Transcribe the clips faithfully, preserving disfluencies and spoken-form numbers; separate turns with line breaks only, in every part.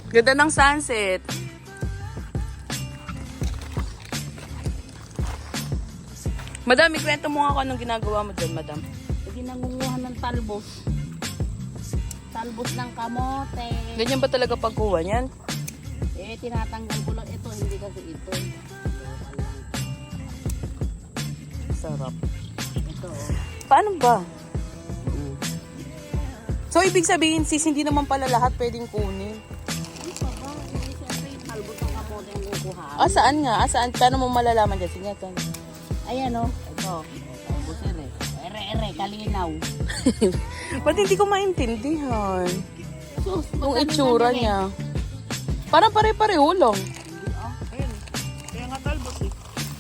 Ganda ng sunset. Madam, ikwento mo nga ako anong ginagawa mo dyan, madam.
Hindi nangunguha ng talbos. Talbos ng kamote.
Ganyan ba talaga pagkuha niyan?
Eh, tinatanggal ko lang ito. Hindi kasi ito.
Sarap.
Ito, oh.
Paano ba? So, ibig sabihin, sis, hindi naman pala lahat pwedeng kunin.
Ano pa ba? Hindi siyempre yung talbos ng kamote ang kukuha.
Ah, saan nga? Ah, saan? Paano mo malalaman dyan? Sige, tan.
Ayan, oh. Ito. Talbos ere. Ere, ere. Kalinaw.
Ba't hindi ko maintindihan?
Sus,
Yung itsura niya. Parang pare-pareho lang.
Ayun. Kaya nga talbos eh.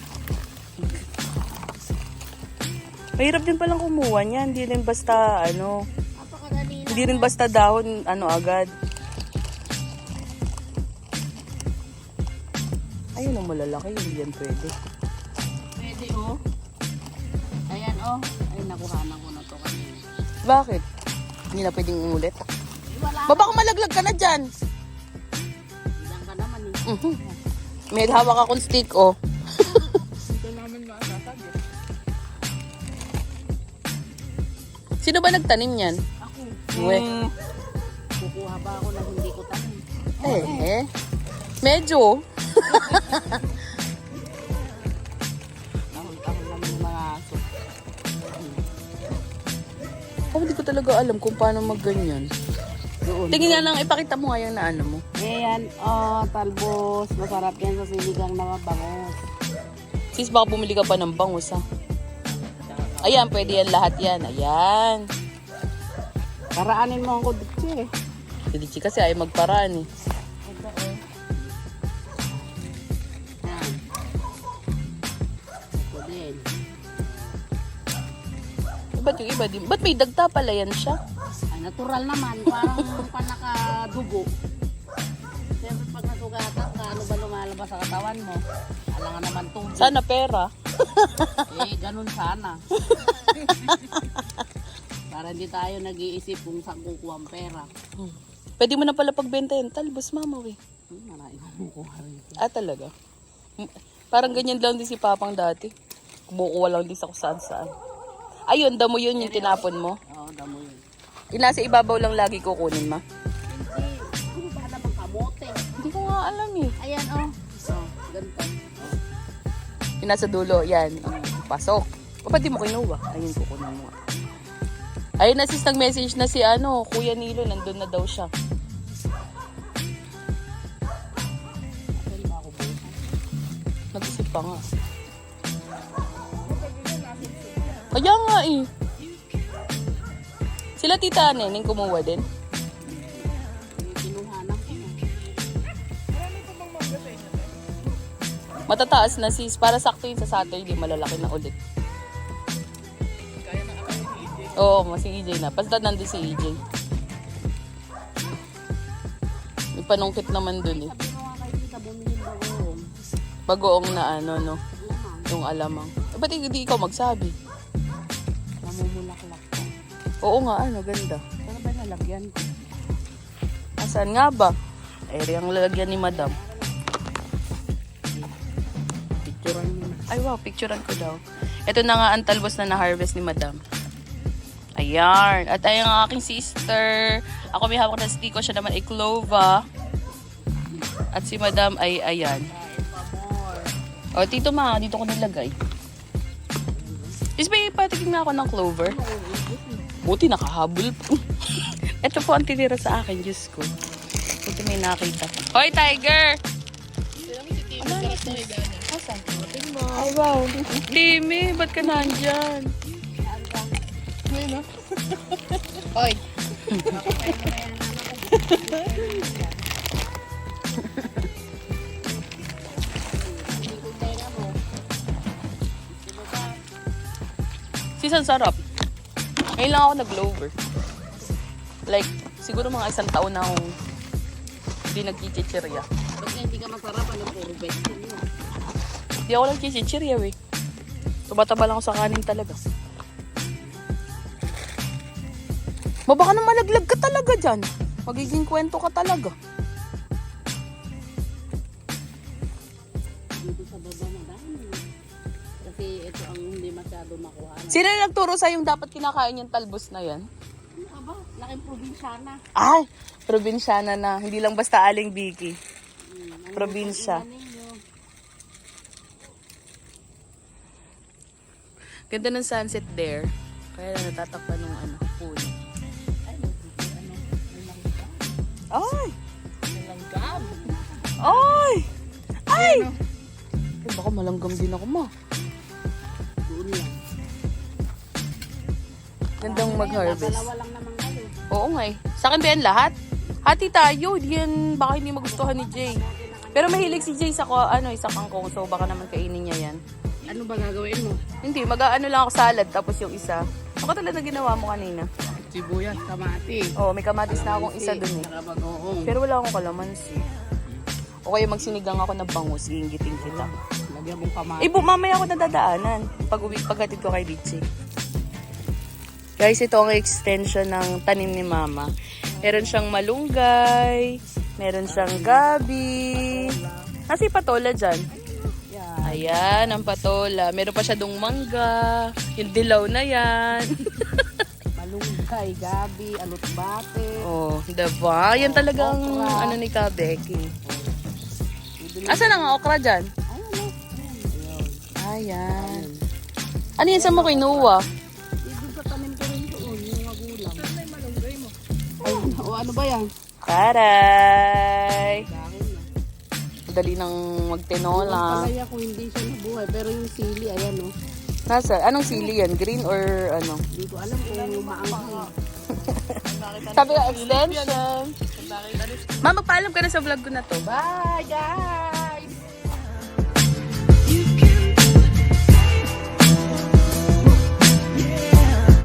Mahirap din palang kumuha niya. Hindi rin basta, ano,
Napakadali lang.
hindi rin basta dahon, ano, agad. Ayun ang malalaki. Hindi yan pwede.
Pwede, oh. Ayan, oh. Ay, nakuhanan ko na to kanina.
Bakit? Hindi na pwedeng umulit.
Eh, wala.
Baba kung malaglag ka na dyan.
Bilang ka naman eh.
Mhm. May hawak akong stick, oh.
Ito namin maasasag eh.
Sino ba nagtanim yan?
Ako.
Uwe.
Kukuha ba ako na hindi ko tanim?
Eh, eh. Medyo.
Tahol-tahol naman yung mga aso.
Oh, hindi ko talaga alam kung paano magganyan.
Doon.
Tingin nga lang, ipakita mo nga yung na ano mo.
Ayan, oh, talbos. Masarap yan sa sinigang na mabangos.
Sis, baka bumili ka pa ng bangus, ha? Ayan, pwede yan lahat yan. Ayan.
Paraanin mo ang kudutsi eh.
Si Dichi kasi ay magparaan, eh.
Ito eh. Yan. Ito din.
Eh, ba't yung iba din? Ba't may dagta pala yan siya?
Ay, natural naman. Parang panakadugo. Siyempre pag nasugatan ka, ano ba lumalabas sa katawan mo? Alangan naman tubig.
Sana pera.
Eh, ganun sana. Para hindi tayo nag-iisip kung saan kukuha ang pera.
Hmm. Pwede mo na pala pagbenta yan. Talbos, mama, we.
Hmm, marami kumukuha rin.
Ah, talaga? Hmm. Parang ganyan lang din si Papang dati. Kumukuha lang din sa kung saan saan. Ayun, damo yun yung tinapon mo.
Oo, damo yun.
Yung nasa ibabaw lang lagi kukunin, ma.
Hindi. Ano ba naman kamote?
Hindi ko nga alam, eh.
Ayan, oh. Oh, ganito.
Yung nasa dulo, yan. Pasok. O, ba't di mo kinuha? Ayun, kukunin mo. Ayun na sis, nag-message na si ano, Kuya Nilo, nandun na daw siya.
Pwede ba ako bukas?
Nag-isip pa nga. Kaya nga eh. Sila tita Neneng kumuha din.
Kinuhanan ko na.
Matataas na sis, para sakto yun sa Saturday, malalaki na ulit. Oo, mas si E J na. Basta nandun si E J. May panungkit naman dun eh.
Sabi ko nga kay tita, bumili yung bagoong.
Bagoong na ano, no?
Alamang.
Yung alamang. Eh, ba't hindi ikaw magsabi?
Namumulaklak ka.
Oo nga, ano, ganda.
Saan ba nalagyan ko?
Asan nga ba? Ere ang lalagyan ni madam.
Picturean mo na.
Ay wow, picturean ko daw. Ito na nga ang talbos na na-harvest ni madam. Ayan. At ayun ang aking sister. Ako may hawak na stiko. Siya naman ay clova. At si madam ay ayan.
Kain pa more.
O, tito ma, dito ko nilagay. Is may patikin na ako ng clover. Buti nakahabol po. Ito po ang tinira sa akin, Diyos ko. Buti may nakita pa. Hoy, Tiger! Asan? Ay, wow. Timmy, ba't ka nandyan?
Oy!
Sis, ang sarap. Ngayon lang ako nag-clover. Like, siguro mga isang taon na akong hindi nag-chichirya.
Ba't hindi ka masarap? Ano puro vegetable mo?
Hindi ako nag-chichirya, we. Tumataba lang ako sa kanin talaga. Ma, baka na malaglag ka talaga dyan. Magiging kwento ka talaga.
kasi ito ang hindi masyado makuha.
Sino na nagturo sa yung dapat kinakain yung talbos na yan?
Ano ka ba? Laking probinsyana.
Ay, probinsyana na. Hindi lang basta Aling Vicky.
Hmm, ano
Probinsya.
yung ninyo?
Ganda ng sunset there. Kaya lang natatakpan ng ano, pool.
Ay, ano, may langgam.
Ay!
May langgam.
Ay! Ay! Eh, baka malanggam din ako, ma.
Doon lang.
Gandang mag-harvest.
Dalawa lang naman kayo.
Oo nga eh. Sa akin ba yan lahat? Hati tayo. Di yan, baka hindi magustuhan ni Jay. Pero mahilig si Jay sa ko, ano, isa kangkong. So baka naman kainin niya yan.
Ano ba gagawin mo?
Hindi, mag-ano lang ako salad. Tapos yung isa. Ako talaga ginawa mo kanina.
Sibuyas, kamati.
Oo, may kamatis na akong isa dun eh.
Saka bagoong.
Pero wala akong kalamansi. O kaya magsinigang ako ng bangus. Iingitin kita.
Lagyan mong kamati.
Eh, bu- mamaya ako nadadaanan. Pag uwi, paghatid ko kay Richie. Guys, ito ang extension ng tanim ni Mama. Meron siyang malunggay. Meron siyang gabi. Nasa yung patola dyan.
Yan.
Ayan, ang patola. Meron pa siya dong mangga. Yung dilaw na yan.
Malunggay, gabi, alutbate.
Oh, diba? Yan talagang
Okra.
ano ni Ka Becky. Asa na nga okra dyan?
Ay, ano? Ayun.
Ayan. Ano yan sa mo kinuha?
Ibig sa tanim ko rin doon, yung magulang. Saan na yung malunggay mo? Ay, o ano ba yan?
Karay!
Dahil na.
Dali nang magtinola.
Palaya kung hindi siya nabuhay, pero yung sili, ayan o.
Nasa, anong sili yan? Green or ano?
Hindi ko alam kung maanghang.
Sabi ka, extension. Ma, magpaalam ka na sa vlog ko na to.
Bye, guys!